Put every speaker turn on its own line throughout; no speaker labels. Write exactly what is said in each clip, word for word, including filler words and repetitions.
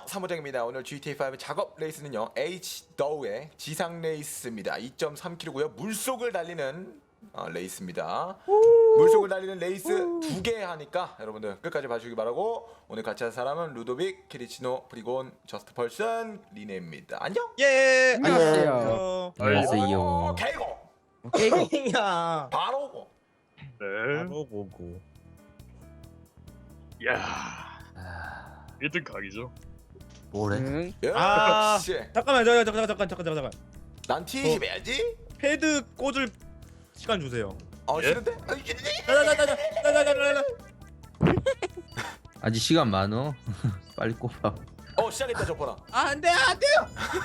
사무장입니다. 오늘 지티에이 오 작업 레이스는요 H-더우의 지상 레이스입니다. 이 점 삼 킬로미터고요 물속을 달리는 어, 레이스입니다. 물속을 달리는 레이스 두 개 하니까 여러분들 끝까지 봐주시기 바라고. 오늘 같이 할 사람은 루도빅, 키리치노, 프리곤, 저스트 펄슨, 리네입니다. 안녕.
예.
안녕하세요.
안녕하세요. 개고.
오케이.
야.
바로 오고.
네.
바로 보고.
야. 일 등 각이죠.
뭐래?
응.
아, 씨.
잠깐만, 잠깐, 잠깐, 잠깐, 잠깐, 잠깐.
난 티십 해야지.
패드 꽂을 시간 주세요.
어,
예?
싫은데? 아, 이게-
자자자자자자자자자.
아직 시간 많어. 빨리 꼽아.
어, 시작했다 저번아.
아, 안 돼, 안 돼요.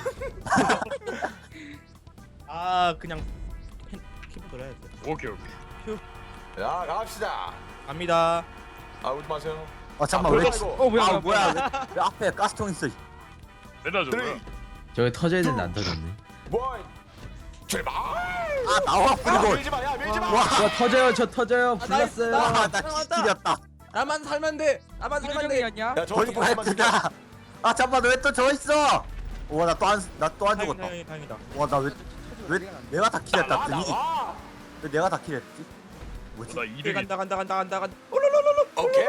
아, 그냥 펜 키보드로 해야 돼.
오케이 오케이.
자, 갑시다.
갑니다.
아, 울지 마세요.
아 잠깐만 왜?
이거.
어 뭐야? 아 뭐야? 왜, 왜 앞에 가스통 있어?
맨날 저
쓰리,
뭐야?
저기 터져야 되는데 안 터졌네.
원, 출발.
아 나와
야,
그리고.
밀지 마, 야, 밀지 마.
와, 저 터져요, 저 터져요.
나-
불났어요.
나-
아나 기질이었다.
나만 살면 돼. 나만 살면 돼.
야, 저거
거기
보지 마.
말투가. 아 잠깐만 왜 또 저 있어? 와 나 또 안 나 또 안 죽었다.
다행이다, 다행이다.
와 나 왜 왜 내가 다 킬했다.
나와,
등이
나와.
왜 내가 다 킬했지? 뭐지?
나
오케이,
이 등이.
간다, 간다, 간다, 간다, 간다. 올로로로로.
오케이.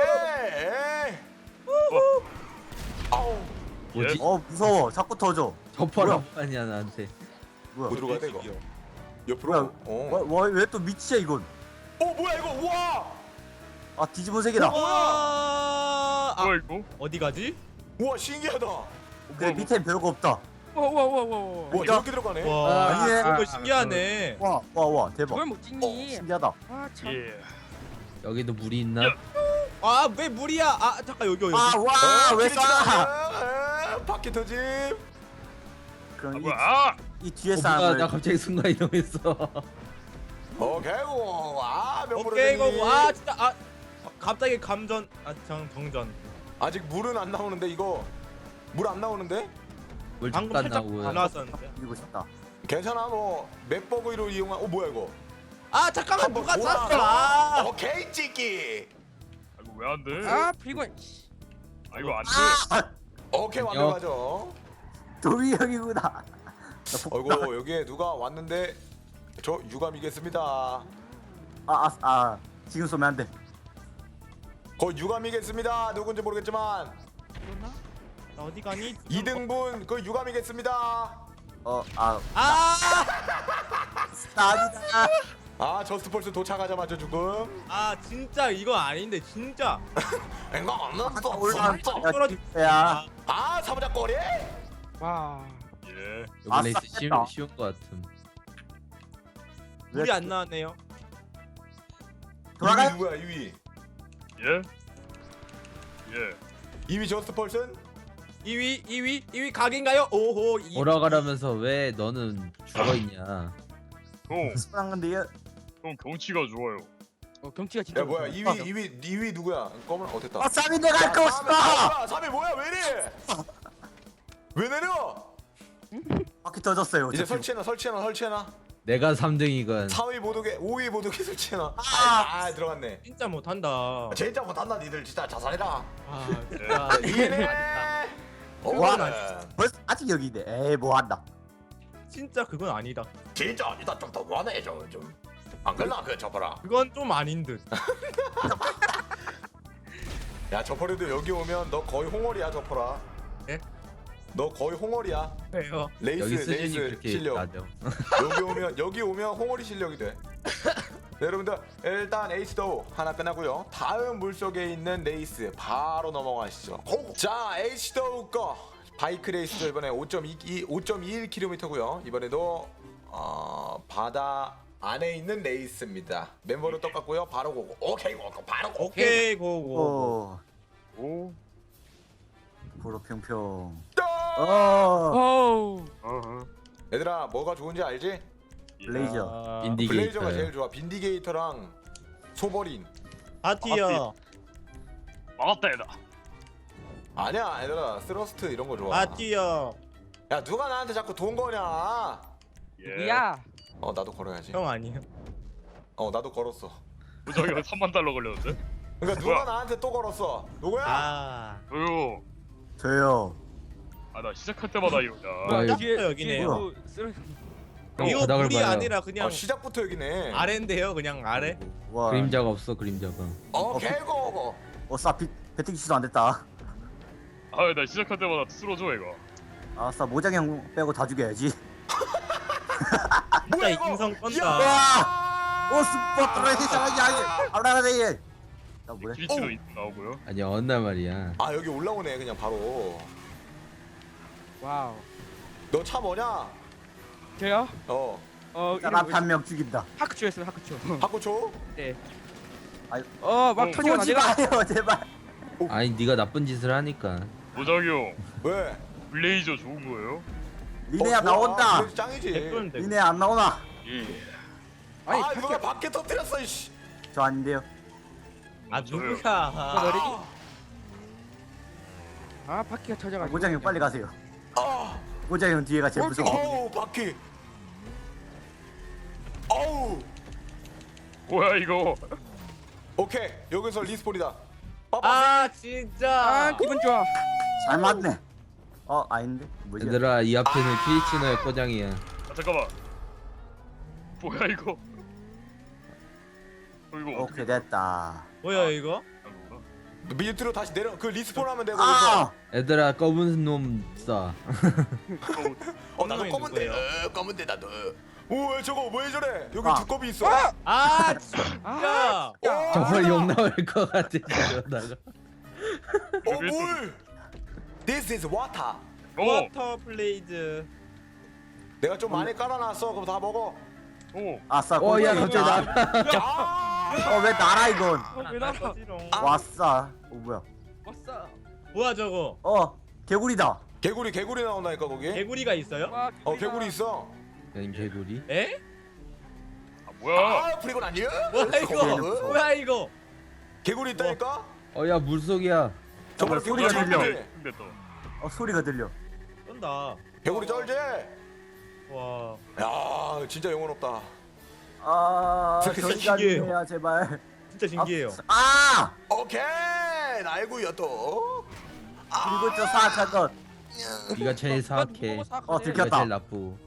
아우.
뭐지? 어 무서워. 자꾸 터져. 저퍼랑 아니야 나한테.
뭐
뭐야?
들어가야 돼 이거?
뭐야?
옆으로. 어.
와왜 또 밑이야 이건?
어, 뭐야 이거? 우와.
아 뒤집은 색이다.
와. 아,
뭐야 이거?
어디 가지?
우와, 신기하다.
근데 밑엔 별거 없다.
와,
진짜?
이렇게 들어가네.
와,
아니네.
이거 신기하네.
와 와 와 대박.
그걸 못
어,
찍니?
신기하다.
아 참.
예.
여기도 물이 있나?
야.
아, 왜 물이야? 아, 잠깐 여기 여기.
아와왜 쏴?
쏴? 바퀴 터짐.
아
그럼 이,
뭐야? 아!
이 뒤에
어,
사람을
뭐야, 나 갑자기 순간 이동했어.
오케이. 고. 아, 몇
오케이 고고. 아, 진짜 아 갑자기 감전 아정 정전.
아직 물은 안 나오는데 이거. 물 안 나오는데?
물
방금
잠깐
살짝
나오고요.
안 나왔었는데.
이고 싶다.
괜찮아. 뭐 맵버그로 이용한. 어, 뭐야 이거?
아, 잠깐만
한번
누가
돌아.
쐈어? 아.
오케이, 찍기.
아 이거 왜 안 돼?
아 프리곤.
아 이거 안 돼.
아
오케이,
안녕.
완벽하죠.
도미 형이구나. 나
어이구, 여기에 누가 왔는데 저 유감이겠습니다.
아아 아, 지금 쏘면 안 돼.
거 유감이겠습니다. 누군지 모르겠지만
나 어디 가니?
이 등분 그 유감이겠습니다.
어 아
아!
나 아니다.
아, 저스트 펄스 도착하자마자 죽음.
아, 진짜 이거 아닌데 진짜.
이거 없는 거
올라온
없어.
야.
아, 사무장 꼬리.
와.
예.
아,
여기 레이스 쉬운,
쌌겠다.
쉬운 거 같음.
물이 안 나왔네요.
돌아가요?
이 위 누구야? 이 위.
예. 예.
이 위 저스트 펄슨?
이 위, 이 위, 이 위 각인가요? 오호. 이 위.
오라가라면서 왜 너는 죽어있냐?
형,
쏘는 건데 얘
형 경치가 좋아요.
어 경치가 진짜.
야, 뭐야?
무서워.
이 위, 이 위, 이 위 누구야? 검은 어 됐다.
아 쌈이 내가 거 싶다.
삼 위 뭐야? 왜 이래? 왜 내려?
바퀴 터졌어요.
이제
어차피.
설치해놔, 설치해놔, 설치해놔.
내가 삼 등이건.
사 위 모두게, 오 위 모두게 설치해놔. 아, 아, 들어갔네.
진짜 못한다.
진짜 못한다, 니들 진짜 자살해라.
아, 진짜.
이네.
와.
와,
벌써 아직 여기 있네. 에이 뭐 한다.
진짜 그건 아니다.
진짜 아니다. 좀 더 원해 좀 좀. 안 그러나 그 저퍼라.
그건 좀 아닌 듯.
야, 저퍼리도 여기 오면 너 거의 홍월이야, 저퍼라.
예?
너 거의 홍월이야.
왜요?
레이스
여기 수준이
레이스
그렇게
실력.
낮아.
여기 오면 여기 오면 홍월이 실력이 돼. 네, 여러분들 일단 H도 하나 끝나고요. 다음 물속에 있는 레이스 바로 넘어가시죠. 고! 자, H도 거 바이크 레이스죠. 이번에 오 점 이일 킬로미터고요. 이번에도 어, 바다 안에 있는 레이스입니다. 멤버로 똑같고요. 바로 고고. 오케이 고고. 바로 고고.
오케이 고고.
오
오.
보로 평평.
어!
어
오우.
어허.
얘들아, 뭐가 좋은지 알지?
예.
블레이저.
아,
빈디-
블레이저가
빈디게이터.
제일 좋아. 빈디게이터랑 소버린.
바티어.
막았다 얘다.
아니야, 얘들아. 스러스트 이런 거 좋아.
바티어.
야, 누가 나한테 자꾸 돈 거냐?
예.
누구야?
어, 나도 걸어야지.
형 아니에요?
어, 나도 걸었어.
저기가 삼만 달러 걸렸는데?
그러니까 누가
뭐야?
나한테 또 걸었어? 누구야?
아.
저요.
저요.
아 나 시작할 때마다 이러냐.
와,
아,
뒤에
여기네요.
뒤에 뭐 쓰러-
형
이거
바닥을
물이
봐요.
아니라 그냥
아, 시작부터 여기네.
아래인데요, 그냥 아래.
와.
그림자가 없어 그림자가.
어 개고.
어싸 배팅치도 안 됐다.
아나 시작할 때마다 쓰러져 얘가.
아싸 모장형 빼고 다 죽여야지.
진짜 인성 떤다.
야!
오 스포 트레이션이 아니 알아라래. 나 뭐래?
길치도
오!
있- 나오고요.
아니 언나 말이야.
아 여기 올라오네 그냥 바로.
와우.
너 차 뭐냐?
저요?
어.
어 이름
사람
뭐지?
한 명 죽인다.
하크초였어요 하크초.
바꾸초?
네.
아이,
어막
어,
터지고
쏘지
나니까.
마요 제발.
아니 네가 나쁜 짓을 하니까.
모장이 형
왜?
블레이저 좋은 거예요?
니네야
어, 좋아.
나온다.
그래도 짱이지.
댓글은
니네 안 나오나?
예.
아니
아
밖에
누가 밖에 터뜨렸어 이씨.
저 아닌데요.
아
저요.
누구야?
머리. 아 바퀴가 터져가지고.
모장형 빨리 가세요.
아.
모장형 뒤에가 제일 무서워.
어우 바퀴. 어우.
뭐야 이거?
오케이 여기서 리스폰이다. 빠빠.
아 진짜.
아 기분 좋아.
잘 맞네. 어 아닌데 뭐지?
얘들아 이 앞에는 키리치노의 꼬장이야.
아 잠깐만. 뭐야 이거? 어, 이거 어떻게
오케이 됐다.
뭐야 이거?
하는 거야?
밑으로 다시 내려 그 리스폰 하면 되고.
아
얘들아 검은 놈 쏴.
어 나도
놈이
검은데.
누구예요?
어, 검은데 나도. 오왜 저거 왜 저래? 여기
아.
두꺼비 있어.
아 진짜.
어,
정말 욕 나올 것 같아 이러다가.
어 물. This is water.
오!
워터 플레이즈.
내가 좀 많이 깔아놨어. 그럼 다 먹어.
오!
아싸.
어야
꼬장형
갑자기 나.
아!
어왜 나라 이건?
왜 나가?
아.
왔어. 어 뭐야?
왔어.
뭐야 저거?
어 개구리다.
개구리 개구리 나온다니까 거기.
개구리가 있어요?
와,
어 개구리 있어.
야 개구리.
에?
아 뭐야?
아 프리곤 아니야?
뭐야 이거?
어?
뭐야 이거?
개구리 있다니까?
어야 물속이야.
정말
소리가
개구리
들려.
쩔지?
근데 또
어 소리가 들려.
쏜다.
개구리 쩔지?
와.
야 진짜 영혼 없다.
아
진짜
저리가
신기해요.
주세요 제발.
진짜 신기해요.
아
오케이 날구요 또.
그리고 저 사악한
네가 제일 사악해.
어,
네가
들켰다.
제일 나쁘고.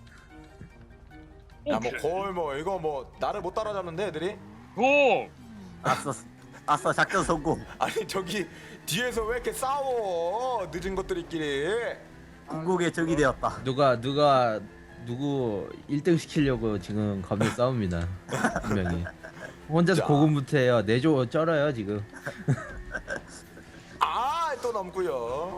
야뭐
오케이.
거의 뭐 이거 뭐 나를 못 따라잡는데 애들이?
오!
아싸 아싸 작전 성공.
아니 저기 뒤에서 왜 이렇게 싸워? 늦은 것들이끼리.
궁극의 적이 되었다.
누가 누가 누구 일 등 시키려고 지금 겁내 싸웁니다. 분명히. 혼자서
자.
고군분투해요. 내조 쩔어요 지금.
아 또 넘고요.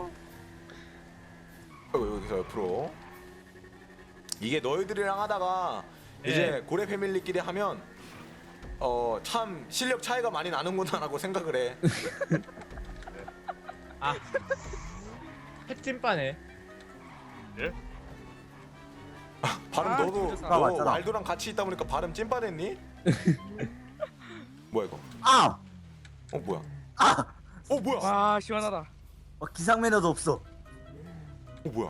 어, 여기서 옆으로. 이게 너희들이랑 하다가
네.
이제 고래 패밀리끼리 하면 어 참 실력 차이가 많이 나는구나라고 생각을 해.
아. 핵찜빠네.
예?
발음
아,
너도
진짜
너
맞잖아.
왈도랑 같이 있다 보니까 발음 찐빠됐니? 뭐야 이거?
아!
어 뭐야?
아!
어 뭐야?
와 시원하다.
어, 기상 매너도 없어.
어 뭐야?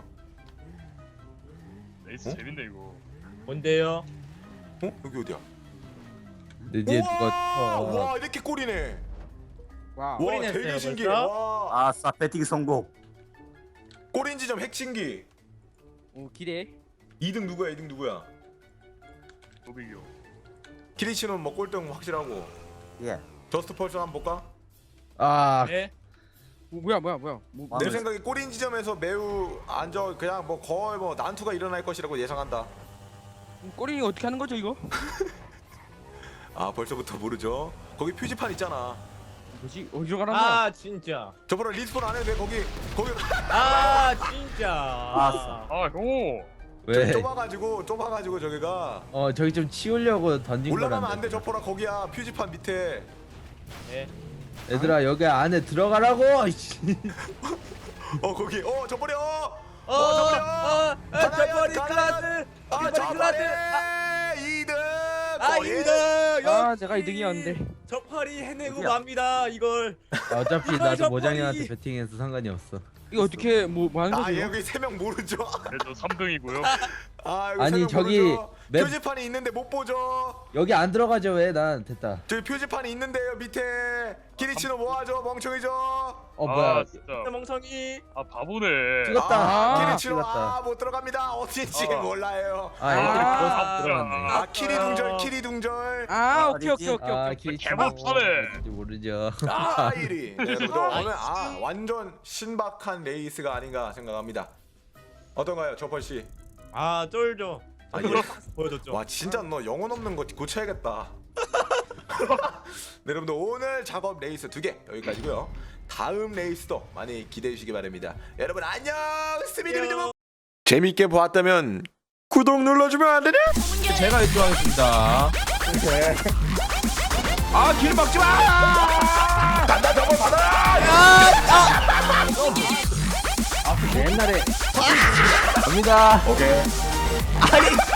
레이스
어?
재밌네 이거.
뭔데요?
어 여기 어디야?
내 뒤에
우와!
누가 어,
와 이렇게 꼴이네.
와.
와
꼴이
되게
냈어요,
신기해.
벌써?
와
아싸 배팅 성공.
꼬린 지점 핵신기.
오 기대.
이 등 누구야? 이 등 누구야?
도비교.
키리치는 뭐 꼴등 확실하고.
예.
저스트 펄슨 한번 볼까?
아
네.
오, 뭐야 뭐야 뭐야. 뭐,
아,
내
네.
생각에 꼬린 지점에서 매우 안저 그냥 뭐 거의 뭐 난투가 일어날 것이라고 예상한다.
꼬리 어떻게 하는 거죠 이거?
아 벌써부터 모르죠. 거기 표지판 있잖아.
뭐지? 어디로 가는 거야?
아 진짜.
저번에 리스폰 안 해도 돼 거기 거기
아 진짜.
아싸.
아 오!
왜?
좁아가지고 좁아가지고 저기가
어 저기 좀 치우려고 던진
올라가면
거란다.
안돼 저포라 거기야 표지판 밑에.
네.
얘들아 여기 안에 들어가라고. 씨.
어 거기 어 저버려.
어,
어
어,
저버려.
어, 저버리 클라스.
아
저버리
저버리.
클라스.
이 등.
아 이등.
아 제가 이 등이었는데.
저 파리 해내고
어디야?
맙니다 이걸.
어차피
이거
나도
저
모장님한테
머리.
배팅해서 상관이 없어.
이거 어떻게 뭐, 뭐 하는
아
거죠? 이거?
여기 세 명 모르죠?
네, 저 삼 등이고요.
아 이거 세
아니
명
저기
모르죠?
맵-
표지판이 있는데 못 보죠.
여기 안 들어가죠 왜? 난 됐다.
저기 표지판이 있는데요 밑에. 키리치노 뭐하죠? 멍청이죠.
어 뭐야?
아 진짜.
멍청이.
아 바보네.
찍었다.
아,
아,
키리치노
찍었다.
아못 들어갑니다. 어딘지
어.
몰라요.
아 애들이
아,
그거
아,
들어갔네.
아 키리 둥절 키리 둥절.
아 오케이
어디지?
오케이 오케이
아
오케이.
길이
개못하네.
모르죠.
아 일위. 네, 여러분들 오늘 아 완전 신박한 레이스가 아닌가 생각합니다. 어떤가요, 조펄 씨?
아 쫄죠.
아, 예.
보여줬죠.
와 진짜 너 영혼 없는 거 고쳐야겠다. 네, 여러분들 오늘 작업 레이스 두 개 여기까지고요. 다음 레이스도 많이 기대해 주시기 바랍니다. 여러분 안녕. 스미디비디보. 재밌게 보았다면 구독 눌러주면 안 되냐?
제가 일 등 하겠습니다.
아길 막지 마.
간다 저거 받아라.
옛날에 갑니다.
오케이.
아니